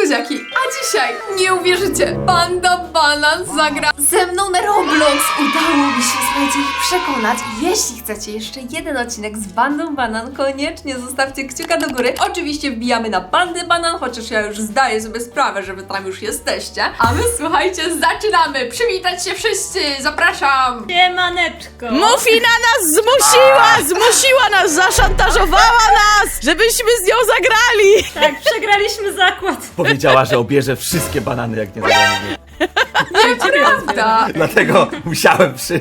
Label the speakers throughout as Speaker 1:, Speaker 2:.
Speaker 1: buziaki, a dzisiaj, nie uwierzycie, Panda Banan zagra ze mną na Roblox. Udało mi się, słuchajcie, ich przekonać. Jeśli chcecie jeszcze jeden odcinek z Bandą Banan, koniecznie zostawcie kciuka do góry. Oczywiście wbijamy na Bandę Banan, chociaż ja już zdaję sobie sprawę, że wy tam już jesteście. A my, słuchajcie, zaczynamy. Przywitać się wszyscy, zapraszam.
Speaker 2: Siemaneczko!
Speaker 3: Mufina nas zmusiła nas, zaszantażowała nas, żebyśmy z nią zagrali.
Speaker 2: Tak, przegraliśmy zakład.
Speaker 4: Powiedziała, że obierze wszystkie banany, jak nie zagramy.
Speaker 1: Nieprawda.
Speaker 4: Dlatego musiałem przyjść.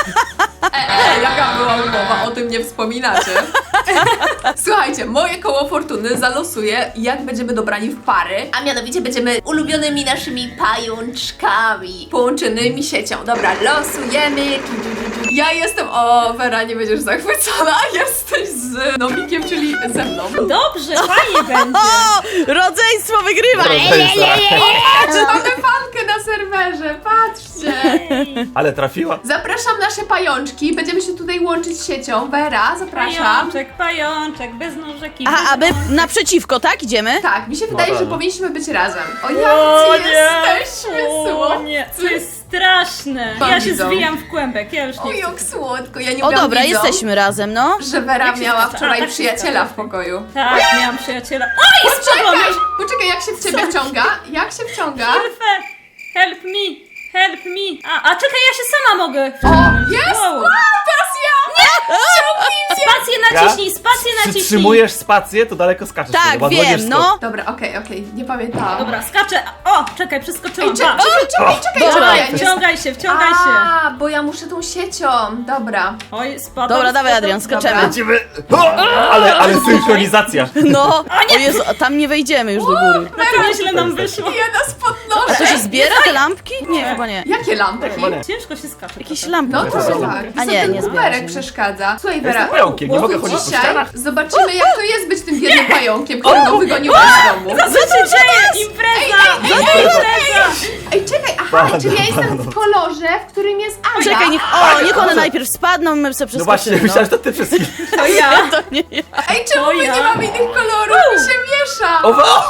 Speaker 1: Jaka była umowa? O tym nie wspominacie. Słuchajcie, moje koło fortuny zalosuje, jak będziemy dobrani w pary, a mianowicie będziemy ulubionymi naszymi pajączkami połączonymi siecią. Dobra, losujemy. Ja jestem, o Wera, nie będziesz zachwycona, jesteś z Nomikiem, czyli ze mną.
Speaker 2: Dobrze, fajnie będzie.
Speaker 3: Rodzeństwo wygrywa.
Speaker 1: Patrzcie, mamy fankę na serwerze, patrzcie.
Speaker 4: Ale trafiła.
Speaker 1: Zapraszam nasze pajączki, będziemy się tutaj łączyć siecią. Wera, zapraszam.
Speaker 2: Pajączek, bez nóżek i
Speaker 3: Aha, a my naprzeciwko, tak? Idziemy?
Speaker 1: Tak, mi się wydaje, że powinniśmy być razem. O,
Speaker 2: O
Speaker 1: jacy jesteśmy
Speaker 2: O nie, to jest straszne.
Speaker 1: Mam
Speaker 2: Ja się
Speaker 1: widzą.
Speaker 2: zwijam w kłębek, ja już
Speaker 1: O,
Speaker 2: nie chcę.
Speaker 1: jak słodko, ja nie
Speaker 3: O
Speaker 1: umiałam
Speaker 3: dobra,
Speaker 1: widzą,
Speaker 3: jesteśmy razem, no.
Speaker 1: że Wera
Speaker 2: Jak się
Speaker 1: miała
Speaker 2: zgadza?
Speaker 1: wczoraj
Speaker 2: A, tak się
Speaker 1: przyjaciela
Speaker 2: zgadza.
Speaker 1: w pokoju.
Speaker 2: Tak, miałam przyjaciela. Oj, spadłam!
Speaker 1: Poczekaj, jak się w ciebie wciąga? Jak się wciąga?
Speaker 2: Help me! A czekaj, ja się sama mogę
Speaker 1: O,
Speaker 2: wciągnąć.
Speaker 1: jest!
Speaker 2: Wow.
Speaker 1: Wow, teraz ja!
Speaker 2: Spację naciśnij, spację naciśnij!
Speaker 4: Przytrzymujesz spację, to daleko skaczesz.
Speaker 3: Tak,
Speaker 4: wtedy, bo
Speaker 3: wiem,
Speaker 4: odwodniesz
Speaker 3: no.
Speaker 1: Dobra, okej, nie pamiętałam.
Speaker 2: Dobra, skaczę. O, czekaj, przeskoczyłam.
Speaker 1: Czekaj,
Speaker 3: Dobra.
Speaker 1: czekaj, nie
Speaker 2: Wciągaj się.
Speaker 1: A, bo ja muszę tą siecią, dobra.
Speaker 2: Oj, spadam.
Speaker 3: Dobra, dawaj,
Speaker 2: spadam.
Speaker 3: Adrian, skaczemy.
Speaker 1: Dobra.
Speaker 4: Lecimy. Ale synchronizacja.
Speaker 3: No, o Jezu, a tam nie wejdziemy już do góry.
Speaker 2: No to nieźle nam wyszło.
Speaker 1: Ja nas
Speaker 3: A
Speaker 1: podnoszę.
Speaker 3: to się zbiera te lampki? Nie, chyba nie.
Speaker 1: Jakie lampki?
Speaker 4: Chyba nie.
Speaker 2: Ciężko się skacze.
Speaker 3: Jakieś
Speaker 2: trochę.
Speaker 3: lampki.
Speaker 1: No
Speaker 3: po
Speaker 1: to
Speaker 3: prostu.
Speaker 1: tak.
Speaker 3: A nie, nie zbiera
Speaker 1: numerek
Speaker 3: się.
Speaker 1: przeszkadza. Słuchaj,
Speaker 4: Jestem
Speaker 1: Wera,
Speaker 4: pająkiem, nie mogę chodzić po
Speaker 1: dzisiaj
Speaker 4: ścianach.
Speaker 1: zobaczymy, jak to jest być tym biednym pająkiem, którego wygoniłaś z domu.
Speaker 2: Co się dzieje? Impreza!
Speaker 1: Ej, czekaj, aha, czyli ja jestem w kolorze, w którym jest Aga.
Speaker 3: Czekaj, niech one najpierw spadną, my sobie
Speaker 4: No właśnie,
Speaker 3: przeskoczymy.
Speaker 4: myślałem, że to ty wszystkich.
Speaker 2: To ja.
Speaker 3: To nie ja.
Speaker 1: Ej, czemu
Speaker 2: To
Speaker 1: my
Speaker 2: ja.
Speaker 1: nie mamy innych kolorów? Mi się miesza.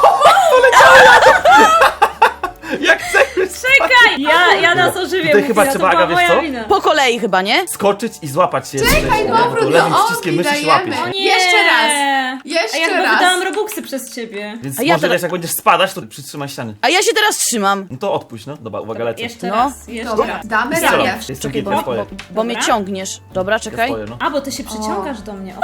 Speaker 4: Jak chcesz.
Speaker 2: Czekaj! Ja nas ożywię.
Speaker 4: Tutaj chyba
Speaker 2: Mufina,
Speaker 4: trzeba,
Speaker 2: to była
Speaker 4: Aga, wiesz
Speaker 2: moja
Speaker 4: co?
Speaker 2: wina.
Speaker 3: Po kolei chyba, nie?
Speaker 4: Skoczyć i złapać się.
Speaker 1: Czekaj,
Speaker 4: To
Speaker 1: powrót do
Speaker 4: lewym przyciskiem
Speaker 1: Olgi
Speaker 4: myszy się
Speaker 1: dajemy.
Speaker 4: łapiesz.
Speaker 2: O nie!
Speaker 1: Jeszcze raz.
Speaker 2: A ja
Speaker 1: Jeszcze
Speaker 2: chyba
Speaker 1: raz.
Speaker 2: wydałam robuxy przez ciebie.
Speaker 4: Więc
Speaker 3: A ja
Speaker 4: może
Speaker 3: teraz-
Speaker 4: wiesz, jak będziesz spadać, to przytrzymaj ściany.
Speaker 3: A ja się teraz trzymam.
Speaker 4: No to odpuść, no. Dobra, uwaga, lecę.
Speaker 2: Jeszcze
Speaker 3: No.
Speaker 2: raz, jeszcze
Speaker 1: Dobra,
Speaker 2: raz.
Speaker 1: damy
Speaker 4: Strzelam.
Speaker 1: radę.
Speaker 4: Jestem
Speaker 3: Czekaj,
Speaker 4: gitem, swoje.
Speaker 3: bo mnie
Speaker 2: Dobra.
Speaker 3: ciągniesz. Dobra, czekaj.
Speaker 4: Swoje, no.
Speaker 2: A, bo ty się przyciągasz do mnie. O,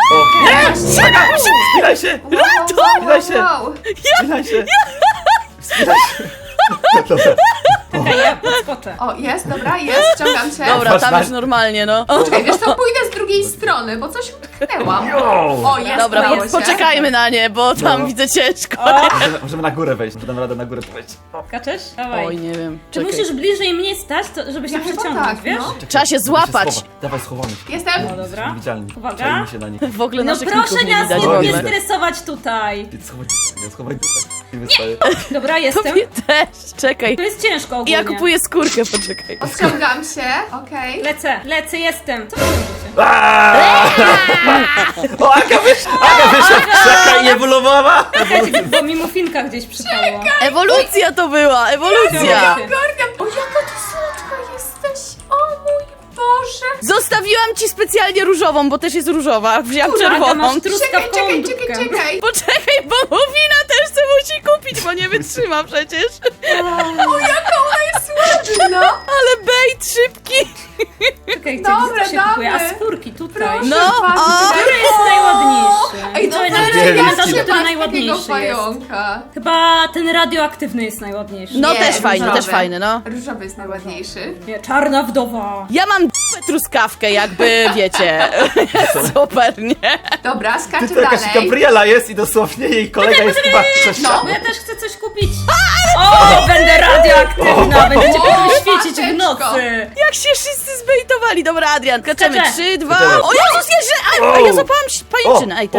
Speaker 4: Spinaj się! Spinaj się!
Speaker 1: Wow.
Speaker 4: Spinaj się! Spinaj się! Dobra.
Speaker 2: czekaj, ja podskoczę.
Speaker 1: O, jest, dobra, jest, wciągam cię.
Speaker 3: Dobra,
Speaker 4: Patrz,
Speaker 3: tam
Speaker 4: patrz.
Speaker 3: już normalnie, no. O,
Speaker 1: Czekaj, wiesz co, pójdę z drugiej strony, bo coś utknęłam.
Speaker 4: Jo!
Speaker 1: O, jest,
Speaker 3: dobra,
Speaker 1: udało się.
Speaker 3: poczekajmy na nie, bo tam
Speaker 4: No.
Speaker 3: widzę ciężko.
Speaker 4: Możemy na górę wejść, dam radę na górę wejść. O.
Speaker 2: Skaczesz? Dawaj.
Speaker 3: Oj, nie wiem.
Speaker 2: Czy
Speaker 3: Czekaj.
Speaker 2: musisz bliżej mnie stać, żeby się
Speaker 1: Ja chyba
Speaker 2: przeciągnąć,
Speaker 1: tak,
Speaker 2: wiesz?
Speaker 1: no.
Speaker 3: Trzeba się złapać.
Speaker 4: Schowa. Dawaj, schowamy się.
Speaker 1: Jestem.
Speaker 2: No dobra.
Speaker 4: Niewidzialni.
Speaker 2: Uwaga.
Speaker 4: Czajmy się na nich.
Speaker 3: W ogóle
Speaker 2: No
Speaker 3: naszych
Speaker 2: proszę
Speaker 3: ników nie
Speaker 2: nas
Speaker 3: widać w
Speaker 2: nie
Speaker 3: ogóle.
Speaker 2: stresować tutaj.
Speaker 4: Schowaj dupę. Nie wystaje.
Speaker 2: Dobra, jestem.
Speaker 3: Tobie też. Czekaj.
Speaker 2: To jest ciężko ogólnie.
Speaker 3: Ja kupuję skórkę, poczekaj.
Speaker 1: Odciągam się, okej.
Speaker 2: Lecę, jestem. Co wy robicie?
Speaker 4: Aaaa! O, Aga wyszła w krzaka i ewoluowała!
Speaker 2: Czekajcie, bo mi mufinka gdzieś przypadła.
Speaker 3: Ewolucja to była, ewolucja.
Speaker 1: Ogarniam. O, jaka ty słodka jesteś. O mój Boże.
Speaker 3: Zostawiłam ci specjalnie różową, bo też jest różowa. Wzięłam
Speaker 2: Aga,
Speaker 3: czerwoną.
Speaker 2: masz
Speaker 1: Czekaj,
Speaker 2: truskawkową
Speaker 1: czekaj,
Speaker 2: dupkę.
Speaker 1: czekaj, czekaj.
Speaker 3: Poczekaj, bo Mufina też se musi kupić, bo nie wytrzyma przecież.
Speaker 1: O, jaka ona jest ładna.
Speaker 3: Ale bait szybki.
Speaker 2: Czekaj,
Speaker 1: Dobra,
Speaker 2: gdzie to się kupuje? A
Speaker 1: damy.
Speaker 2: skórki tutaj.
Speaker 1: Proszę
Speaker 3: No,
Speaker 1: bardzo,
Speaker 3: o.
Speaker 1: tutaj
Speaker 2: Który jest najładniejszy?
Speaker 1: Ej, no
Speaker 2: To
Speaker 1: teraz
Speaker 2: będzie
Speaker 1: ja
Speaker 4: Wielki.
Speaker 2: komentarz,
Speaker 1: się
Speaker 2: który
Speaker 1: takiego
Speaker 2: najładniejszy jest.
Speaker 1: pająka.
Speaker 2: Chyba ten radioaktywny jest najładniejszy.
Speaker 3: No
Speaker 1: Nie,
Speaker 3: też fajny,
Speaker 1: różowy.
Speaker 3: też fajny, no.
Speaker 1: Różowy jest najładniejszy.
Speaker 2: Nie, czarna wdowa.
Speaker 3: Ja mam truskawkę, jakby wiecie. Super, nie?
Speaker 1: Dobra, skaczę
Speaker 4: Ty to jakaś
Speaker 1: dalej.
Speaker 4: Gabriela jest i dosłownie jej kolega jest chyba przez
Speaker 1: No.
Speaker 2: Bo ja też chcę coś kupić. O, będę radioaktywna. Będziecie pewnie świecić w
Speaker 1: mateczko.
Speaker 2: nocy.
Speaker 3: Jak się wszyscy zbejtowali. Dobra, Adrian, skaczemy.
Speaker 2: Skaczę.
Speaker 3: 3, 2.
Speaker 4: Skaczemy.
Speaker 3: O Jezus, jeszcze! A ja złapałam pajęczynę. Ej, też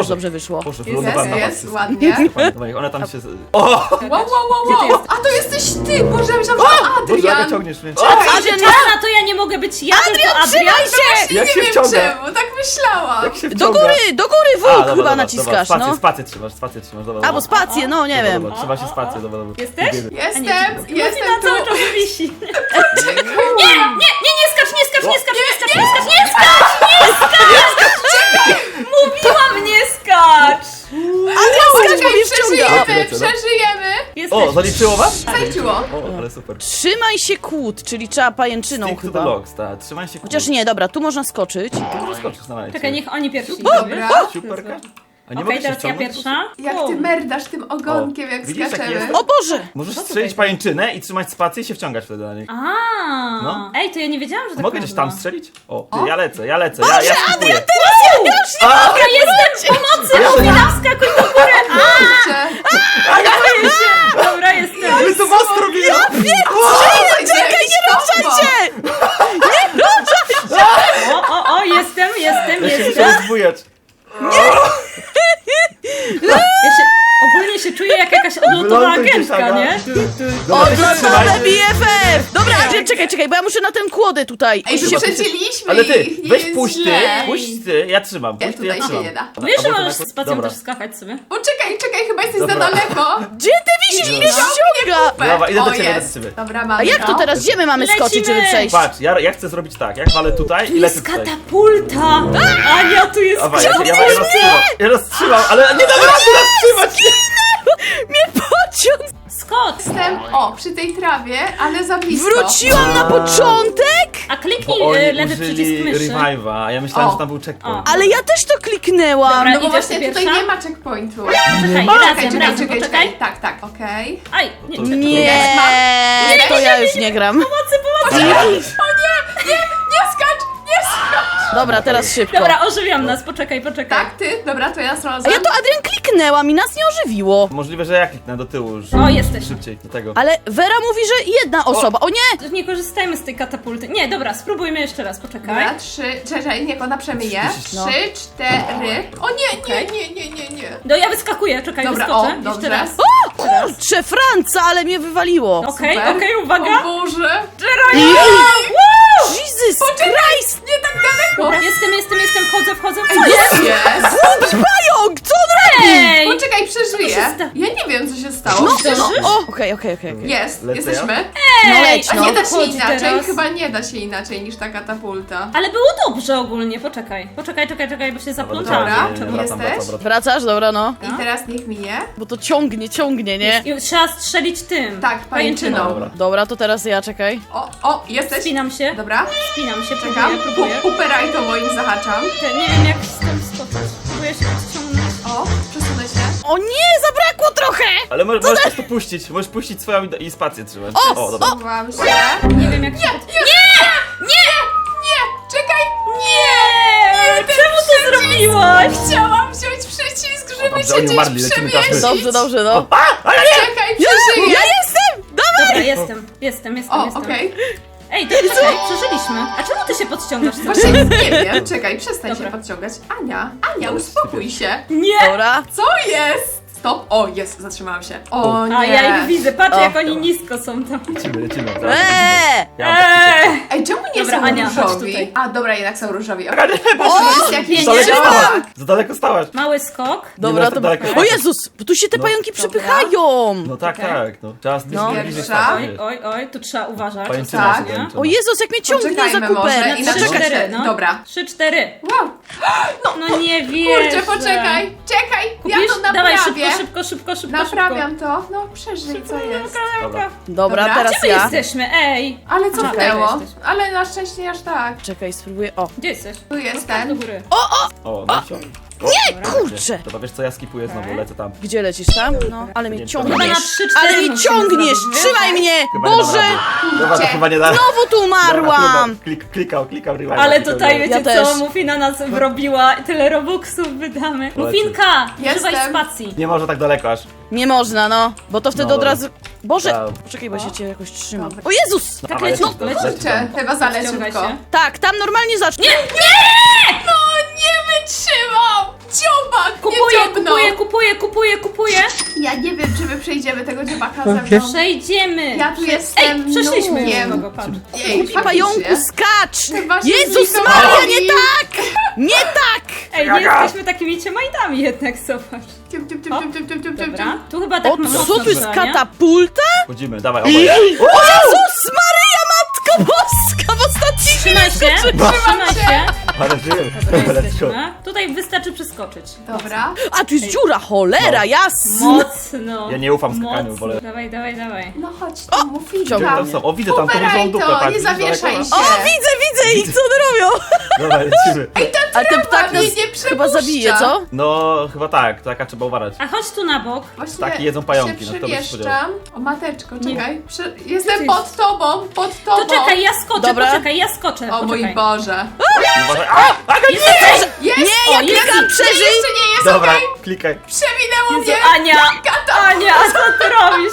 Speaker 3: dobrze wyszło.
Speaker 4: Boże, wylądowałem na was.
Speaker 1: Jest, ładnie.
Speaker 4: Dawaj, ona tam się... O!
Speaker 1: Wow. A to jesteś ty! Boże, ja myślałam, że
Speaker 4: Boże, Aga,
Speaker 1: Adrian.
Speaker 4: ciągniesz mnie.
Speaker 3: Adrian,
Speaker 2: Adriana, to ja nie mogę być ja, tylko Adrian.
Speaker 1: Właśnie
Speaker 4: Jak
Speaker 1: nie
Speaker 4: się
Speaker 1: wiem
Speaker 4: wciąga?
Speaker 1: czemu, tak myślałam.
Speaker 4: Jak się
Speaker 3: do
Speaker 4: wciąga?
Speaker 3: góry,
Speaker 4: A,
Speaker 3: wujek
Speaker 4: dobra,
Speaker 3: chyba
Speaker 4: dobra,
Speaker 3: naciskasz,
Speaker 4: dobra,
Speaker 3: no.
Speaker 4: Spację trzymasz, dobra.
Speaker 3: Albo spację, no nie wiem.
Speaker 4: Dobra, trzyma się spację, dobra.
Speaker 2: Jesteś?
Speaker 1: Jestem
Speaker 2: Martyna cały
Speaker 1: tu.
Speaker 2: czas wisi. Nie skacz, nie skacz. Mówiłam, nie skacz.
Speaker 3: Skacz, bo mnie wciąga.
Speaker 1: Przeżyjemy.
Speaker 4: O, zaliczyło was?
Speaker 1: Zaliczyło.
Speaker 4: O, ale super.
Speaker 3: Trzymaj się kłód, czyli trzeba pajęczyną
Speaker 4: Stick to
Speaker 3: chyba.
Speaker 4: the logs, tak. Trzymaj się
Speaker 3: Chociaż nie, dobra, tu można skoczyć.
Speaker 4: Skoczysz na lajcie.
Speaker 2: Czekaj, niech oni pierwsi.
Speaker 1: Dobra.
Speaker 4: Superka. A nie
Speaker 2: Okej,
Speaker 4: mogę się
Speaker 2: teraz ja
Speaker 4: wciągnąć?
Speaker 2: pierwsza.
Speaker 1: Jak ty merdasz tym ogonkiem,
Speaker 4: O,
Speaker 1: jak
Speaker 4: widzisz, jak
Speaker 1: skaczemy.
Speaker 4: jest?
Speaker 3: O Boże!
Speaker 4: Możesz strzelić pajęczynę i trzymać spację i się wciągać wtedy na niej.
Speaker 2: No. Ej, to ja nie wiedziałam, że tak
Speaker 4: Mogę
Speaker 2: można.
Speaker 4: gdzieś tam strzelić? O, ty, ja lecę, ja skipuję.
Speaker 2: Dobra, jestem pomocy! Mufina, wskakuj do góry!
Speaker 1: Kurczę.
Speaker 2: Boję się! Dobra, jestem.
Speaker 4: My to was robili!
Speaker 1: Czekaj, nie ruszajcie!
Speaker 2: O, jestem.
Speaker 4: Ja się muszę rozbujać.
Speaker 2: Ogólnie się czuję jak jakaś odlotowa
Speaker 4: Wyląduj,
Speaker 2: agentka,
Speaker 4: Saga.
Speaker 2: nie?
Speaker 4: Dobra,
Speaker 3: Odlotowe BFF! Dobra, Adrian, czekaj, bo ja muszę na tę kłodę tutaj.
Speaker 1: Ej,
Speaker 3: Się-
Speaker 1: wyprzedziliśmy
Speaker 4: Ale ty,
Speaker 1: ich, nie
Speaker 4: weź
Speaker 1: jest
Speaker 4: puść ty,
Speaker 1: źle.
Speaker 4: puść ty, ja trzymam, puść ty, ja
Speaker 1: tutaj się
Speaker 4: trzymam.
Speaker 1: nie da.
Speaker 2: Wiesz, że
Speaker 4: Albo
Speaker 2: możesz
Speaker 4: to
Speaker 2: z spacją
Speaker 4: dobra.
Speaker 2: też skakać sobie?
Speaker 1: Czekaj, chyba jesteś za
Speaker 4: Dobra.
Speaker 1: daleko.
Speaker 3: Gdzie ty wisisz? Mnie ściąga!
Speaker 4: Dobra, idę do
Speaker 1: O,
Speaker 4: ciebie,
Speaker 1: jest.
Speaker 4: idę do ciebie.
Speaker 1: Dobra, mamy
Speaker 3: A jak to teraz? Gdzie my mamy skoczyć, żeby
Speaker 2: Lecimy!
Speaker 3: przejść?
Speaker 4: Patrz, ja chcę zrobić tak, ja walę tutaj i lecę
Speaker 2: Jest
Speaker 4: tutaj.
Speaker 2: katapulta! Ania, tu jest
Speaker 4: Dawaj, ja roztrzymam, ale nie dam rady roztrzymać!
Speaker 3: Mnie pociąg!
Speaker 2: Skocz!
Speaker 1: Jestem, przy tej trawie, ale za blisko.
Speaker 3: Wróciłam na początek?
Speaker 2: A kliknij
Speaker 4: Bo oni
Speaker 2: lewy
Speaker 4: użyli
Speaker 2: przycisk myszy.
Speaker 4: revive'a, a ja myślałem,
Speaker 1: O.
Speaker 4: że tam był checkpoint.
Speaker 3: Ale ja też to kliknęłam.
Speaker 2: Dobra.
Speaker 1: No bo
Speaker 2: Idziesz
Speaker 1: właśnie
Speaker 2: ty
Speaker 1: tutaj
Speaker 2: pierwsza?
Speaker 1: nie ma checkpointu.
Speaker 2: Czekaj, razem, poczekaj.
Speaker 1: Tak, okej.
Speaker 2: Aj, nie,
Speaker 4: To-
Speaker 2: czekaj.
Speaker 3: Nie, to ja już nie gram.
Speaker 1: Nie skacz!
Speaker 3: Dobra, teraz szybko.
Speaker 2: Dobra, ożywiam nas, poczekaj.
Speaker 1: Tak, ty? Dobra, to ja
Speaker 3: A
Speaker 1: znalazłam.
Speaker 3: ja to Adrian kliknęłam i nas nie ożywiło.
Speaker 4: Możliwe, że ja kliknę do tyłu już.
Speaker 2: O, jesteś.
Speaker 4: Szybciej, do tego.
Speaker 3: Ale Vera mówi, że jedna osoba. O nie!
Speaker 2: Nie korzystajmy z tej katapulty. Nie, dobra, spróbujmy jeszcze raz, poczekaj.
Speaker 1: Dobra, 3, czekaj, niech ona przemyje.
Speaker 3: No.
Speaker 1: 3, 4. O nie,
Speaker 2: Okej.
Speaker 1: nie.
Speaker 2: No ja wyskakuję, czekaj,
Speaker 1: Dobra,
Speaker 2: wyskoczę.
Speaker 1: o,
Speaker 2: Jeszcze
Speaker 1: dobrze.
Speaker 2: raz.
Speaker 3: Kurczę, Franca, ale mnie wywaliło.
Speaker 2: Okej,
Speaker 1: Super.
Speaker 2: uwaga.
Speaker 1: O Boże!
Speaker 3: Jesus Christ!
Speaker 1: Nie tak daleko!
Speaker 2: Dobra, jestem, wchodzę. Co
Speaker 1: Jest!
Speaker 3: Pająk, co on robi?
Speaker 2: Ej!
Speaker 1: Poczekaj, przeżyję.
Speaker 2: Co się sta-
Speaker 1: Ja nie wiem, co się stało.
Speaker 3: No, o, okej.
Speaker 1: Jest,
Speaker 4: Lecę
Speaker 1: jesteśmy.
Speaker 3: No leć,
Speaker 1: A
Speaker 3: no.
Speaker 1: nie da się
Speaker 2: Chodź
Speaker 1: inaczej?
Speaker 2: teraz.
Speaker 1: Chyba nie da się inaczej niż ta katapulta.
Speaker 2: Ale było dobrze ogólnie, poczekaj, bo się zaplątałam.
Speaker 1: Dobra. Jesteś?
Speaker 3: Wracasz? Dobra, no.
Speaker 1: I teraz niech minie.
Speaker 3: Bo to ciągnie, nie?
Speaker 2: I trzeba strzelić tym.
Speaker 1: Tak, pajęczyną.
Speaker 4: Dobra.
Speaker 3: Dobra, to teraz ja, czekaj.
Speaker 1: O, jesteś?
Speaker 2: Spinam się,
Speaker 1: Dobra, czekam.
Speaker 2: próbuję.
Speaker 1: Uperaj to moim zahaczam.
Speaker 2: Nie wiem jak z tym skoczyć. Próbuję się podciągnąć.
Speaker 1: O, przesunę się.
Speaker 3: O nie, zabrakło trochę!
Speaker 4: Ale możesz po prostu puścić, możesz puścić swoją i spację trzymać.
Speaker 3: O,
Speaker 4: dobra.
Speaker 1: Chowam się.
Speaker 2: Nie wiem jak się
Speaker 1: Nie! Czekaj!
Speaker 2: Nie! Czemu to zrobiłaś?
Speaker 1: Chciałam wziąć przycisk, żeby
Speaker 4: Dobrze,
Speaker 1: cię
Speaker 4: oni
Speaker 1: gdzieś
Speaker 4: umarli, lecimy teraz my.
Speaker 1: przemieścić.
Speaker 3: Dobrze, no.
Speaker 1: Czekaj, przeżyję.
Speaker 3: Ja jestem!
Speaker 2: Dobra, jestem.
Speaker 1: O, okej.
Speaker 2: Ej, to czekaj, przeżyliśmy. A czemu ty się podciągasz cały
Speaker 1: Właśnie
Speaker 2: czas?
Speaker 1: nie wiem. Czekaj, przestań
Speaker 2: Dobra.
Speaker 1: się podciągać. Ania, uspokój się.
Speaker 2: Nie!
Speaker 3: Dobra.
Speaker 1: Co jest? Stop. O, jest, zatrzymałam się. O nie.
Speaker 2: A ja ich widzę, patrz
Speaker 3: O.
Speaker 2: jak oni nisko są tam.
Speaker 4: Lecimy.
Speaker 3: Eee!
Speaker 4: Ja mam taki
Speaker 1: Ej, czemu nie
Speaker 2: Dobra,
Speaker 1: są
Speaker 2: Ania, chodź
Speaker 1: różowi?
Speaker 2: tutaj.
Speaker 1: A, dobra, jednak są różowi.
Speaker 4: Aga, nie,
Speaker 1: To jest jakiś
Speaker 2: nie,
Speaker 4: Za daleko
Speaker 2: nie.
Speaker 4: stałaś! Za daleko stałaś!
Speaker 2: Mały skok.
Speaker 3: Dobra,
Speaker 4: tak
Speaker 3: to...
Speaker 4: daleko
Speaker 3: O
Speaker 4: patrzeć.
Speaker 3: Jezus, bo tu się te
Speaker 4: No.
Speaker 3: pająki
Speaker 1: Dobra.
Speaker 3: przepychają!
Speaker 4: No tak,
Speaker 2: Czekaj.
Speaker 4: tak, no. Trzeba
Speaker 3: No.
Speaker 4: bliżej
Speaker 1: Pierwsza.
Speaker 4: stać.
Speaker 2: Oj, tu trzeba uważać.
Speaker 4: Pajęczyna
Speaker 1: Tak.
Speaker 4: się kończy.
Speaker 3: O Jezus, jak mnie ciągnie za
Speaker 1: Poczekajmy może
Speaker 3: kupę!
Speaker 1: i na
Speaker 3: Poczekaj.
Speaker 1: 3-4,
Speaker 2: no.
Speaker 1: dobra.
Speaker 2: 3-4.
Speaker 1: Wow.
Speaker 2: No nie wierzę.
Speaker 1: Kurczę, poczekaj. Czekaj,
Speaker 2: Kupisz?
Speaker 1: ja to
Speaker 2: Dawaj
Speaker 1: naprawię.
Speaker 2: szybko.
Speaker 1: Naprawiam to. No, przeżyj, co jest.
Speaker 4: Dobra.
Speaker 3: Dobra,
Speaker 1: Dobra.
Speaker 3: teraz
Speaker 2: Gdzie my
Speaker 3: ja.
Speaker 2: jesteśmy? Ej!
Speaker 1: Ale co
Speaker 2: Aha,
Speaker 1: wtęło?
Speaker 2: tutaj jesteś.
Speaker 1: Ale na szczęście aż tak.
Speaker 3: Czekaj, spróbuję. O.
Speaker 2: Gdzie jesteś?
Speaker 1: Tu
Speaker 2: Do
Speaker 1: jestem.
Speaker 2: góry.
Speaker 4: O, no i
Speaker 3: Nie, kurczę!
Speaker 4: Dobra, wiesz co, ja skipuję znowu, lecę tam.
Speaker 3: Gdzie lecisz tam? No, ale mnie
Speaker 4: Nie,
Speaker 2: Chyba na
Speaker 3: ciągniesz.
Speaker 2: 3-4
Speaker 3: Ale mnie
Speaker 2: musimy
Speaker 3: ciągniesz!
Speaker 2: zrobić,
Speaker 3: Trzymaj mnie!
Speaker 4: Chyba nie dam
Speaker 3: Boże!
Speaker 4: rady. Dobra, to chyba nie da.
Speaker 3: Znowu tu umarłam!
Speaker 4: Klikał rewind.
Speaker 2: Ale tutaj wiecie
Speaker 3: Ja też.
Speaker 2: co, Mufina nas wrobiła, tyle robuxów wydamy. Mufinka, używaj
Speaker 1: Jestem.
Speaker 2: spacji.
Speaker 4: Nie może tak daleko aż.
Speaker 3: Nie można, no. Bo to wtedy
Speaker 4: No
Speaker 3: od
Speaker 4: dobra.
Speaker 3: razu... Boże!
Speaker 4: Dobra.
Speaker 3: Poczekaj, bo ja się cię jakoś trzymam.
Speaker 1: Dobra.
Speaker 3: O Jezus!
Speaker 2: Tak
Speaker 4: Dawaj,
Speaker 2: leci,
Speaker 4: leci,
Speaker 2: leci.
Speaker 4: leci.
Speaker 1: Kurczę, chyba zalę
Speaker 2: Ściągaj
Speaker 1: szybko.
Speaker 2: się.
Speaker 3: Tak, tam normalnie zacznie.
Speaker 1: No nie wytrzymam! Dziobak!
Speaker 2: Kupuję.
Speaker 1: Ja nie wiem, czy my przejdziemy tego dziobaka ze mną.
Speaker 2: Przejdziemy.
Speaker 1: Ja tu jestem
Speaker 2: Przeszliśmy już
Speaker 1: nubkiem.
Speaker 2: kogo, patrz.
Speaker 1: Ej,
Speaker 3: Pająku,
Speaker 1: faktycznie.
Speaker 3: skacz!
Speaker 1: Chyba się
Speaker 3: Jezus
Speaker 1: zlikowali.
Speaker 3: Maria, nie tak! Nie tak!
Speaker 2: Ej, nie jesteśmy takimi ciemajdami jednak, zobacz. Dobra, tu chyba tak
Speaker 3: O,
Speaker 2: mocno
Speaker 3: co tu jest
Speaker 2: trzeba, nie?
Speaker 3: katapulta?
Speaker 4: Chodzimy, dawaj, oboje.
Speaker 3: Jezus Maria, Matko Boska, w ostatniej
Speaker 2: Trzymaj się, trzymaj się.
Speaker 4: Ale żyjemy.
Speaker 2: Dobra,
Speaker 4: Let's go.
Speaker 2: jesteśmy. Tutaj wystarczy przeskoczyć.
Speaker 1: Dobra.
Speaker 3: A, tu jest dziura, cholera,
Speaker 4: No.
Speaker 3: jasna!
Speaker 2: Mocno.
Speaker 4: Ja nie ufam skakaniu,
Speaker 2: Mocno.
Speaker 4: wolę.
Speaker 2: Dawaj.
Speaker 1: No chodź tu,
Speaker 4: Gdzie
Speaker 1: Muffinka.
Speaker 4: oni tam są? O, widzę tam tą
Speaker 1: Ubieraj
Speaker 4: różową dupę,
Speaker 1: to,
Speaker 4: patrz.
Speaker 1: nie
Speaker 4: widzisz
Speaker 1: zawieszaj
Speaker 4: daleko?
Speaker 1: się.
Speaker 3: O, widzę ich, co one robią?
Speaker 4: Dawaj, lecimy.
Speaker 3: A ten ptak
Speaker 1: mnie
Speaker 3: nas
Speaker 1: nie
Speaker 3: chyba
Speaker 1: przepuszcza.
Speaker 3: zabije, co?
Speaker 4: No, chyba tak, taka trzeba uważać.
Speaker 2: A chodź tu na bok.
Speaker 1: Właśnie
Speaker 4: Ptaki jedzą pająki,
Speaker 1: się
Speaker 4: no kto by się
Speaker 1: przywieszczam. O, mateczko,
Speaker 2: Nie.
Speaker 1: czekaj.
Speaker 2: Ty
Speaker 1: Jestem
Speaker 2: jest-
Speaker 1: pod tobą, pod tobą.
Speaker 2: To czekaj, ja skoczę,
Speaker 3: Dobra.
Speaker 2: poczekaj, ja skoczę.
Speaker 1: O mój
Speaker 2: poczekaj.
Speaker 1: Boże.
Speaker 4: Uważaj. A! Aga, nie!
Speaker 1: Jest!
Speaker 3: Nie, ja
Speaker 2: O, jest
Speaker 3: klikam,
Speaker 2: i-
Speaker 3: przeżyj!
Speaker 1: Jeszcze nie jest
Speaker 4: Dobra,
Speaker 1: okej.
Speaker 4: klikaj.
Speaker 1: Przewinęło
Speaker 2: Jezu,
Speaker 1: mnie.
Speaker 2: Ania, co ty robisz?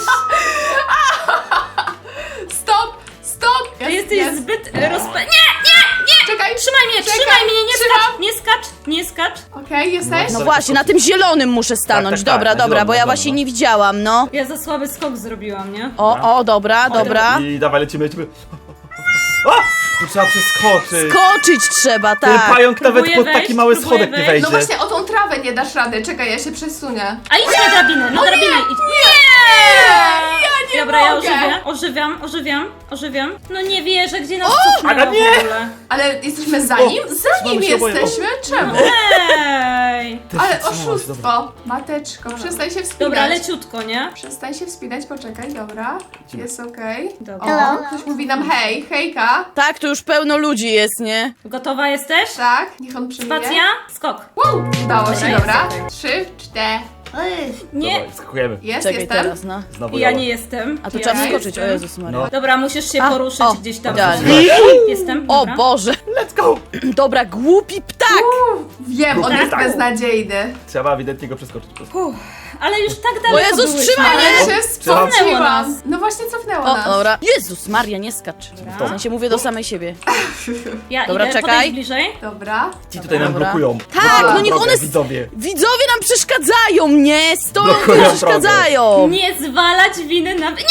Speaker 1: Stop.
Speaker 2: Ty jesteś
Speaker 1: jest.
Speaker 2: zbyt Nie!
Speaker 1: Czekaj.
Speaker 2: Trzymaj mnie,
Speaker 1: Trzymam.
Speaker 2: nie skacz.
Speaker 1: Okej, jesteś?
Speaker 3: No właśnie, na tym zielonym muszę stanąć.
Speaker 4: tak,
Speaker 3: Dobra,
Speaker 4: na
Speaker 3: dobra,
Speaker 4: zielonym,
Speaker 3: bo ja
Speaker 4: na
Speaker 3: właśnie
Speaker 4: zielonym,
Speaker 3: nie widziałam, no.
Speaker 2: Ja za słaby skok zrobiłam, nie?
Speaker 3: O, dobra.
Speaker 4: I dawaj, lecimy. A! Tu trzeba przeskoczyć.
Speaker 3: Skoczyć trzeba,
Speaker 4: Ten
Speaker 3: tak.
Speaker 4: pająk nawet
Speaker 2: Próbuję
Speaker 4: pod
Speaker 2: wejść,
Speaker 4: taki mały
Speaker 2: próbuję
Speaker 4: schodek nie
Speaker 2: wejść.
Speaker 4: wejdzie.
Speaker 1: No właśnie, o tą trawę nie dasz rady. Czekaj, ja się przesunę.
Speaker 2: A idź na drabinę, idź.
Speaker 1: Ja nie
Speaker 2: Dobra, ja
Speaker 1: mogę.
Speaker 2: ożywiam. No nie wierzę, gdzie nas
Speaker 4: Aga,
Speaker 2: cofnęło
Speaker 4: nie!
Speaker 2: w ogóle.
Speaker 1: Ale jesteśmy za nim? Za nim
Speaker 4: trzymamy się oboje.
Speaker 1: jesteśmy? Czemu?
Speaker 2: Ej!
Speaker 4: Ty się
Speaker 1: Ale
Speaker 4: trzymasz, dobra.
Speaker 1: oszustwo. Mateczko, przestań się wspinać.
Speaker 2: Dobra, leciutko, nie?
Speaker 1: Przestań się wspinać, poczekaj, dobra. Jest okej.
Speaker 2: Dobra.
Speaker 1: O, ktoś mówi nam hej, hejka.
Speaker 3: Tak, tu już pełno ludzi jest, nie?
Speaker 2: Gotowa jesteś?
Speaker 1: Tak, niech on przyjmie.
Speaker 2: Spacja? Skok.
Speaker 1: Wow, udało się,
Speaker 2: Dobra,
Speaker 1: dobra.
Speaker 2: jest
Speaker 1: 3, 4.
Speaker 2: Nie,
Speaker 4: Dawaj, skakujemy.
Speaker 1: Jest,
Speaker 3: Czekaj
Speaker 1: jestem.
Speaker 3: teraz, no.
Speaker 4: Znowu
Speaker 2: ja
Speaker 4: Jola.
Speaker 2: nie jestem.
Speaker 3: A tu
Speaker 2: Ja
Speaker 3: trzeba
Speaker 2: nie
Speaker 3: wskoczyć, o
Speaker 2: jestem.
Speaker 3: Jezus Maria.
Speaker 4: No.
Speaker 2: Dobra, musisz się
Speaker 3: A,
Speaker 2: poruszyć
Speaker 3: o,
Speaker 2: gdzieś tam.
Speaker 3: idealnie.
Speaker 2: Jestem.
Speaker 3: O
Speaker 2: Dobra.
Speaker 3: Boże.
Speaker 4: Let's go!
Speaker 3: Dobra, głupi ptak.
Speaker 1: Wiem, on
Speaker 2: Tak.
Speaker 1: jest beznadziejny.
Speaker 4: Trzeba ewidentnie go przeskoczyć.
Speaker 2: Ale już tak
Speaker 3: O
Speaker 2: daleko
Speaker 3: Jezus,
Speaker 2: byłyśmy.
Speaker 3: trzymaj mnie.
Speaker 1: Ale się
Speaker 2: Cofnęło
Speaker 1: spociłam.
Speaker 2: nas.
Speaker 1: No właśnie cofnęło
Speaker 3: O,
Speaker 1: nas.
Speaker 3: dobra. Jezus Maria, nie skacz.
Speaker 2: Dobra.
Speaker 3: W sensie mówię do samej siebie.
Speaker 2: Ja
Speaker 3: Dobra,
Speaker 2: idę,
Speaker 3: czekaj.
Speaker 2: podejdź bliżej.
Speaker 1: Dobra.
Speaker 4: Ci tutaj nam
Speaker 3: Dobra.
Speaker 4: blokują.
Speaker 3: Tak, no niech
Speaker 4: Drogę,
Speaker 3: one...
Speaker 4: widzowie.
Speaker 3: Widzowie nam przeszkadzają, nie? Stoją tu
Speaker 4: Blokują
Speaker 3: i przeszkadzają.
Speaker 2: Nie zwalać winy na... Nie!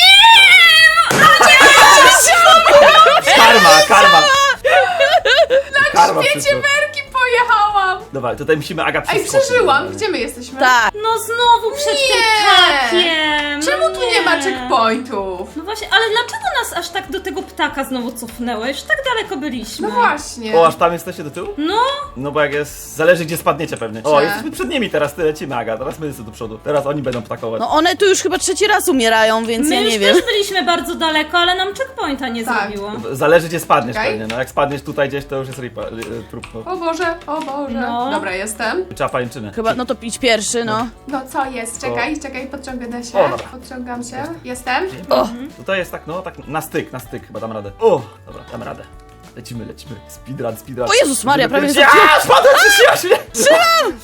Speaker 4: Karma! Karma
Speaker 1: Wiecie,
Speaker 4: wszystko.
Speaker 1: werki pojechałam.
Speaker 4: Dobra, tutaj musimy Aga
Speaker 1: Ej,
Speaker 4: przeskoczyć.
Speaker 1: przeżyłam. Gdzie my jesteśmy?
Speaker 3: Tak.
Speaker 2: No znowu przed tym
Speaker 1: Nie!
Speaker 2: ptakiem!
Speaker 1: Czemu tu nie ma checkpointów?
Speaker 2: No właśnie, ale dlaczego nas aż tak do tego ptaka znowu cofnęłeś? Tak daleko byliśmy.
Speaker 1: No właśnie.
Speaker 4: O, aż tam jesteście do tyłu?
Speaker 2: No,
Speaker 4: No bo jak jest... Zależy gdzie spadniecie pewnie. O,
Speaker 1: Cze.
Speaker 4: jesteśmy przed nimi teraz, ty lecimy Aga. Teraz my jesteśmy do przodu. Teraz oni będą ptakować.
Speaker 3: No one tu już chyba trzeci raz umierają, więc
Speaker 2: my
Speaker 3: ja
Speaker 2: już
Speaker 3: nie wiem.
Speaker 2: też byliśmy bardzo daleko, ale nam checkpointa nie
Speaker 1: Tak.
Speaker 2: zrobiło.
Speaker 4: Zależy gdzie spadniesz
Speaker 1: Okej.
Speaker 4: pewnie. No jak spadniesz tutaj gdzieś, to już jest ripa, trup. No.
Speaker 1: O Boże, o Boże.
Speaker 2: No.
Speaker 1: Dobra, jestem.
Speaker 4: Trzeba pajęczynę.
Speaker 3: Chyba, no to idź pierwszy, no.
Speaker 1: No co jest? Czekaj, podciągnę się.
Speaker 4: O, dobra.
Speaker 1: Podciągam się. Jestem.
Speaker 3: O,
Speaker 4: Tutaj jest tak, no tak na styk, chyba dam radę. O, dobra, dam radę. Lecimy. Speedrun.
Speaker 3: O Jezus Maria, prawie
Speaker 4: Ja,
Speaker 3: zabiłam.
Speaker 4: spadłem, przysiłaś mnie! Trzymam!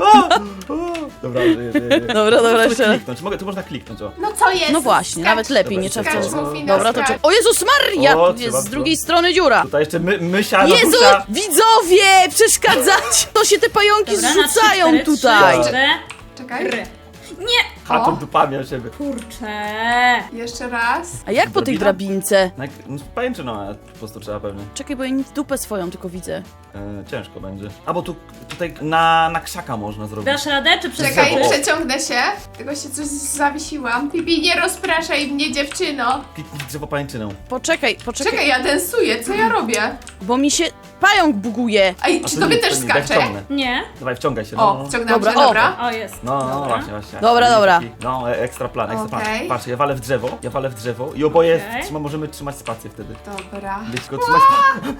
Speaker 4: Dobra, żyję.
Speaker 3: Dobra, jeszcze raz.
Speaker 4: Kliknąć, tu można kliknąć, o.
Speaker 1: No co jest?
Speaker 3: No właśnie,
Speaker 1: Skacz.
Speaker 3: nawet lepiej,
Speaker 4: Dobra,
Speaker 3: nie trzeba
Speaker 4: skacz,
Speaker 3: wcale.
Speaker 1: Mufina,
Speaker 3: Dobra, to
Speaker 1: skacz.
Speaker 3: czekaj. O Jezus Maria!
Speaker 4: O,
Speaker 3: Tu jest
Speaker 4: trzeba
Speaker 3: z drugiej strony dziura.
Speaker 4: Tutaj jeszcze mysia,
Speaker 3: Jezu,
Speaker 4: Nadusia.
Speaker 3: widzowie, przeszkadzać! To się te pająki
Speaker 2: Dobra, na
Speaker 3: zrzucają
Speaker 2: 3, 4,
Speaker 3: tutaj.
Speaker 2: 3, 4.
Speaker 1: Czekaj.
Speaker 2: Nie!
Speaker 4: Haczą dupami o siebie.
Speaker 2: Kurczę!
Speaker 1: Jeszcze raz.
Speaker 3: A jak po tej drabince?
Speaker 4: No, pajęczyną, po prostu trzeba pewnie.
Speaker 3: Czekaj, bo ja nic dupę swoją tylko widzę.
Speaker 4: Ciężko będzie. A bo tutaj na krzaka można zrobić.
Speaker 2: Dasz radę, czy
Speaker 1: Czekaj,
Speaker 2: przeskoczysz?
Speaker 1: przeciągnę się. Tylko się coś zawiesiłam. Pipi, nie rozpraszaj mnie, dziewczyno.
Speaker 4: Kliknij drzewo pajęczynę.
Speaker 3: Poczekaj,
Speaker 1: Czekaj, ja densuję, co ja robię?
Speaker 3: bo mi się pająk buguje.
Speaker 1: Ej,
Speaker 4: A
Speaker 1: czy
Speaker 4: to
Speaker 1: tobie
Speaker 4: nie,
Speaker 1: też
Speaker 4: to nie, daj
Speaker 1: skacze?
Speaker 4: wciągnę.
Speaker 2: Nie?
Speaker 4: Dawaj, wciągaj się.
Speaker 1: O, wciągnęłam
Speaker 3: Dobra,
Speaker 1: się,
Speaker 3: o.
Speaker 1: dobra.
Speaker 2: O, jest.
Speaker 4: No,
Speaker 2: Dobra.
Speaker 4: właśnie.
Speaker 3: Dobra.
Speaker 4: No, ekstra plan.
Speaker 1: Okej.
Speaker 4: Patrz, ja walę w drzewo i oboje
Speaker 2: Okej.
Speaker 4: możemy trzymać spację wtedy.
Speaker 1: Dobra.
Speaker 4: Wiecie, go trzymać.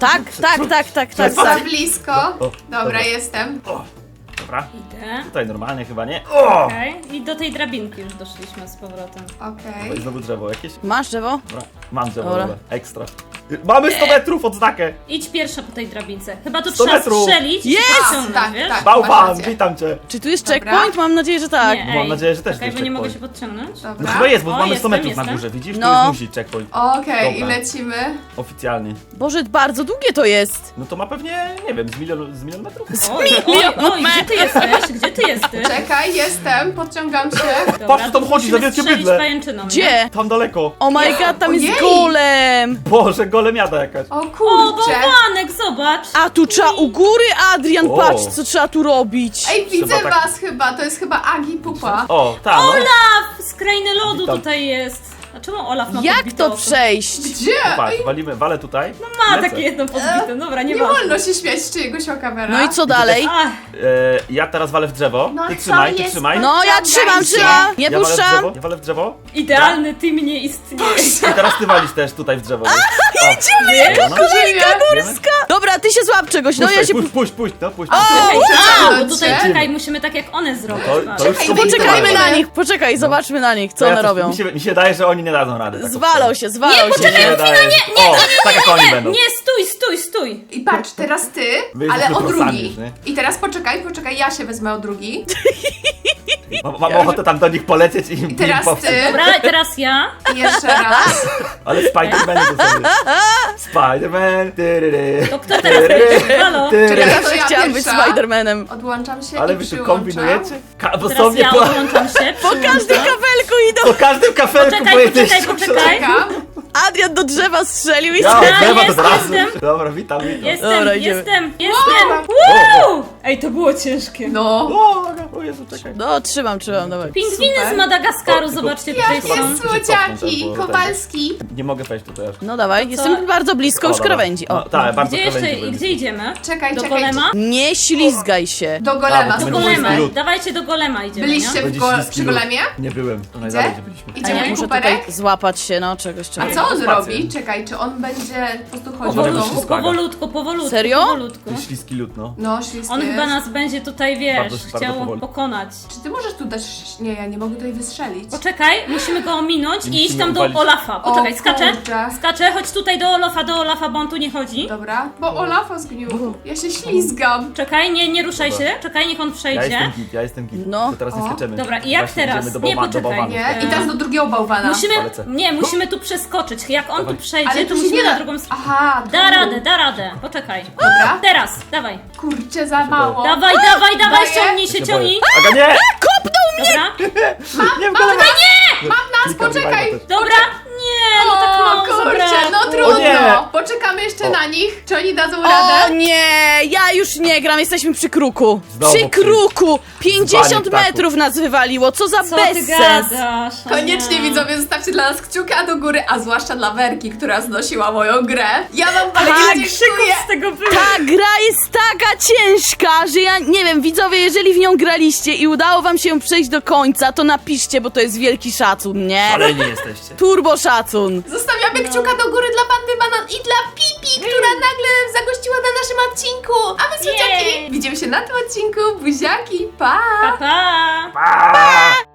Speaker 3: Tak.
Speaker 1: Za blisko.
Speaker 4: O,
Speaker 1: Dobra, jestem.
Speaker 4: O, dobra.
Speaker 2: Idę.
Speaker 4: Tutaj normalnie chyba, nie? O!
Speaker 2: Okej. I do tej drabinki już doszliśmy z powrotem.
Speaker 1: Okej.
Speaker 4: I znowu drzewo jakieś?
Speaker 3: Masz drzewo?
Speaker 4: Dobra, mam drzewo,
Speaker 3: Dobra.
Speaker 4: dobra. Ekstra. Mamy 100 metrów odznakę.
Speaker 2: Idź pierwsza po tej drabince. Chyba tu
Speaker 4: 100
Speaker 2: trzeba
Speaker 4: metrów.
Speaker 2: strzelić i
Speaker 3: Jest!
Speaker 2: się podciągnąć,
Speaker 1: Tak,
Speaker 2: wiesz?
Speaker 1: tak.
Speaker 4: Bałwan,
Speaker 1: masz rację.
Speaker 4: witam cię.
Speaker 3: Czy tu jest
Speaker 1: Dobra.
Speaker 3: checkpoint? Mam nadzieję, że tak.
Speaker 2: Nie,
Speaker 4: Mam
Speaker 2: ej,
Speaker 4: nadzieję, że też
Speaker 2: czekaj,
Speaker 4: jest
Speaker 2: bo nie mogę się
Speaker 4: checkpoint.
Speaker 2: podciągnąć.
Speaker 1: Dobra.
Speaker 4: No chyba jest, bo
Speaker 2: O,
Speaker 4: mamy 100
Speaker 2: jestem,
Speaker 4: metrów na
Speaker 2: jestem.
Speaker 4: górze, widzisz?
Speaker 3: No.
Speaker 4: To jest musi checkpoint.
Speaker 1: Okej, i
Speaker 4: Dobra.
Speaker 1: lecimy.
Speaker 4: Oficjalnie.
Speaker 3: Boże, bardzo długie to jest.
Speaker 4: No to ma pewnie, nie wiem, z milion metrów?
Speaker 2: Oj, gdzie ty jesteś? Gdzie ty jesteś?
Speaker 1: Czekaj, jestem, podciągam się.
Speaker 2: Dobra,
Speaker 4: Patrz, co tam
Speaker 2: to
Speaker 4: chodzi, za
Speaker 2: musimy
Speaker 4: wielkie
Speaker 2: strzelić
Speaker 4: bydlę.
Speaker 2: pajęczyną, nie?
Speaker 3: Gdzie?
Speaker 4: Tam daleko.
Speaker 3: Oh my god, tam jest
Speaker 1: Ojej.
Speaker 3: golem.
Speaker 4: Boże, golemiada jakaś.
Speaker 1: O
Speaker 2: O,
Speaker 1: kurczę.
Speaker 2: bałwanek, zobacz!
Speaker 3: A tu trzeba u góry, Adrian,
Speaker 4: O.
Speaker 3: patrz co trzeba tu robić.
Speaker 1: Ej, widzę
Speaker 4: Trzeba tak-
Speaker 1: was chyba, to jest chyba Agi Pupa.
Speaker 4: O, tam, no.
Speaker 2: Olaf z krainy lodu
Speaker 4: Witam.
Speaker 2: tutaj jest. A czemu Olaf ma
Speaker 3: Jak
Speaker 2: podbite
Speaker 3: to
Speaker 2: oko?
Speaker 3: przejść?
Speaker 1: Gdzie?
Speaker 4: Patrz, walę tutaj.
Speaker 2: Ma
Speaker 4: Lecę.
Speaker 2: takie jedno podbite, dobra, nie
Speaker 1: Nie
Speaker 2: ma.
Speaker 1: wolno się śmiać z czyjegoś oka, Vera.
Speaker 3: No i co dalej?
Speaker 2: Ach,
Speaker 4: Ja teraz walę w drzewo.
Speaker 1: No
Speaker 4: Ty
Speaker 1: co
Speaker 4: trzymaj, ty
Speaker 1: jest?
Speaker 4: trzymaj.
Speaker 3: No ja trzymam, trzymam. Nie
Speaker 4: Ja walę w
Speaker 3: puszczam.
Speaker 4: drzewo, ja walę w drzewo.
Speaker 2: idealny team nie istnieje.
Speaker 4: I teraz ty walisz też tutaj w drzewo.
Speaker 2: Jedziemy,
Speaker 4: jaka
Speaker 1: Żyje.
Speaker 4: górska!
Speaker 3: Dobra, ty się złap czegoś, no ja się...
Speaker 4: Puść, no puść.
Speaker 2: A, bo tutaj
Speaker 1: Cię?
Speaker 2: czekaj, musimy tak jak one zrobić.
Speaker 4: To-
Speaker 2: patrz.
Speaker 4: to już
Speaker 1: Czekaj,
Speaker 4: są
Speaker 3: Poczekajmy
Speaker 4: wyjechane.
Speaker 3: na nich, poczekaj, zobaczmy na nich, co
Speaker 4: To
Speaker 3: one
Speaker 4: ja coś-
Speaker 3: robią.
Speaker 4: Mi się daje, że oni nie dadzą rady. tak
Speaker 3: Zwalą się, zwalą się.
Speaker 4: Nie, tak jak oni będą.
Speaker 2: Nie, stój!
Speaker 1: I patrz, teraz ty,
Speaker 4: Wy
Speaker 1: ale
Speaker 4: jesteśmy
Speaker 1: o
Speaker 4: prosami
Speaker 1: drugi.
Speaker 4: już, nie?
Speaker 1: I teraz poczekaj, ja się wezmę o drugi.
Speaker 4: Mam ochotę tam do nich polecieć i im
Speaker 1: Teraz
Speaker 4: popsuć.
Speaker 1: ty.
Speaker 2: Dobra, teraz ja.
Speaker 1: I jeszcze raz.
Speaker 4: Ale Spider-Man to sobie. Spider-Man. tyryry.
Speaker 2: To kto teraz będzie? Halo?
Speaker 4: Tyryry.
Speaker 1: Czekaj,
Speaker 3: Zawsze
Speaker 1: to ja
Speaker 3: chciałam być
Speaker 1: pierwsza.
Speaker 3: Spidermanem.
Speaker 1: Odłączam się
Speaker 4: Ale
Speaker 1: i
Speaker 4: wy tu
Speaker 1: przyłączam.
Speaker 4: kombinujecie? Bo
Speaker 2: Teraz
Speaker 4: sobie
Speaker 2: ja odłączam się.
Speaker 3: Po każdym kabelku idą.
Speaker 4: po każdym kafelku
Speaker 2: Poczekaj.
Speaker 1: Czekam.
Speaker 3: Adrian do drzewa strzelił i...
Speaker 4: Ja,
Speaker 2: Ja
Speaker 4: drzewa to
Speaker 2: jest,
Speaker 4: razu.
Speaker 2: jestem.
Speaker 4: Dobra, witam.
Speaker 3: Dobra, idziemy.
Speaker 2: Jestem.
Speaker 4: O,
Speaker 2: Woo! Ej, to było ciężkie.
Speaker 1: No.
Speaker 4: o Jezu, czekaj.
Speaker 3: No, trzymam, dawaj.
Speaker 2: Pingwiny
Speaker 1: Super.
Speaker 2: z Madagaskaru,
Speaker 4: O, tylko-
Speaker 2: zobaczcie, tutaj
Speaker 1: Jakie
Speaker 2: są.
Speaker 1: słodziaki,
Speaker 4: bo ten-
Speaker 1: Kowalski.
Speaker 4: Nie mogę wejść tutaj aż.
Speaker 3: No dawaj, jestem bardzo blisko już
Speaker 4: dobra.
Speaker 3: krawędzi.
Speaker 4: No,
Speaker 3: O.
Speaker 4: tak, bardzo
Speaker 2: Gdzie jeszcze,
Speaker 4: krawędzi
Speaker 2: i
Speaker 4: byłem.
Speaker 2: gdzie idziemy?
Speaker 1: Czekaj,
Speaker 2: Do
Speaker 1: czekaj.
Speaker 2: golema?
Speaker 3: Nie ślizgaj się.
Speaker 1: Do golema
Speaker 4: A, bo
Speaker 2: Do
Speaker 4: Będzie
Speaker 2: golema,
Speaker 4: śliski lód.
Speaker 2: dawajcie do golema idziemy,
Speaker 1: Byliście
Speaker 2: nie?
Speaker 4: Będzie śliski
Speaker 1: przy
Speaker 4: lód.
Speaker 1: golemie?
Speaker 4: Nie byłem, to najdalej gdzie byliśmy.
Speaker 2: A
Speaker 1: Idziemy
Speaker 2: ja
Speaker 3: Muszę
Speaker 1: kuperek?
Speaker 3: tutaj złapać się, no czegoś.
Speaker 1: A co on
Speaker 4: Spację.
Speaker 1: robi? Czekaj, czy on będzie po prostu chodził
Speaker 4: Może
Speaker 1: w
Speaker 4: być
Speaker 1: domu?
Speaker 4: wszystko.
Speaker 2: Powolutku.
Speaker 3: Serio?
Speaker 2: Powolutku.
Speaker 4: Ten śliski lód, no.
Speaker 1: No, ślisty
Speaker 2: On chyba
Speaker 1: jest.
Speaker 2: nas będzie tutaj, wiesz,
Speaker 4: Bardzo
Speaker 2: chciał
Speaker 4: powoli.
Speaker 2: pokonać.
Speaker 1: Czy ty możesz tu dać... Nie, ja nie mogę tutaj wystrzelić.
Speaker 2: Poczekaj, musimy go ominąć i iść
Speaker 4: Musimy
Speaker 2: tam do
Speaker 4: uwalić.
Speaker 2: Olafa. Poczekaj,
Speaker 1: O,
Speaker 2: skaczę.
Speaker 1: kurczę.
Speaker 2: Skaczę, chodź tutaj do Olafa, bo on tu nie chodzi.
Speaker 1: Dobra, bo Olafa zgniótł. Ja się ślizgam.
Speaker 2: Czekaj, nie ruszaj
Speaker 4: Dobra.
Speaker 2: się. Czekaj, niech on przejdzie.
Speaker 4: Ja jestem git.
Speaker 3: No.
Speaker 4: To teraz nie
Speaker 1: O.
Speaker 4: skaczemy.
Speaker 2: Dobra, i jak
Speaker 4: Właśnie
Speaker 2: teraz?
Speaker 4: idziemy do
Speaker 2: Nie, poczekaj.
Speaker 4: bałwanów.
Speaker 1: Nie? I teraz do drugiego bałwana.
Speaker 2: Musimy tu przeskoczyć. Jak on
Speaker 4: Dawaj.
Speaker 2: tu przejdzie,
Speaker 1: Ale
Speaker 2: to
Speaker 1: tu się
Speaker 2: musimy
Speaker 1: nie
Speaker 2: na
Speaker 1: da.
Speaker 2: drugą stronę.
Speaker 1: Aha, tu.
Speaker 2: Da radę. Poczekaj.
Speaker 1: Dobra.
Speaker 2: Teraz, dawaj.
Speaker 1: Kurczę, za mało.
Speaker 2: Dawaj,
Speaker 1: Daję?
Speaker 2: ciągnij się, ciągnij.
Speaker 4: Aga, nie!
Speaker 2: Dobra,
Speaker 4: Nie w golema!
Speaker 1: Mam nas, poczekaj.
Speaker 2: dobra. Nie, no tak
Speaker 1: O,
Speaker 2: mało
Speaker 1: kurczę,
Speaker 2: zabrałem.
Speaker 1: no
Speaker 4: O nie.
Speaker 1: trudno. Poczekamy jeszcze
Speaker 4: O.
Speaker 1: na nich. Czy oni dadzą
Speaker 3: O
Speaker 1: radę?
Speaker 3: nie, ja już nie gram, jesteśmy przy kruku.
Speaker 4: Znowu
Speaker 3: Przy kruku! 50
Speaker 4: Zwalnie ptaków.
Speaker 3: metrów nas wywaliło, co za
Speaker 2: Co ty
Speaker 3: bezsens!
Speaker 2: gadasz? O
Speaker 1: Koniecznie
Speaker 2: nie.
Speaker 1: widzowie, zostawcie dla nas kciuka do góry, a zwłaszcza dla Werki, która znosiła moją grę. Ja wam bardzo
Speaker 2: Tak,
Speaker 1: dziękuję.
Speaker 2: krzyków z tego było.
Speaker 3: Ta gra jest taka ciężka, że ja nie wiem, widzowie, jeżeli w nią graliście i udało wam się ją przejść do końca, to napiszcie, bo to jest wielki szacun, nie?
Speaker 4: Ale nie jesteście.
Speaker 3: Turbo szacun!
Speaker 1: Zostawiamy kciuka do góry dla Bandy Banan i dla Pipi, która nagle zagościła na naszym odcinku. A my, słodziaki,
Speaker 2: Jej.
Speaker 1: widzimy się na tym odcinku. Buziaki, pa!
Speaker 2: Pa, pa.
Speaker 4: Pa!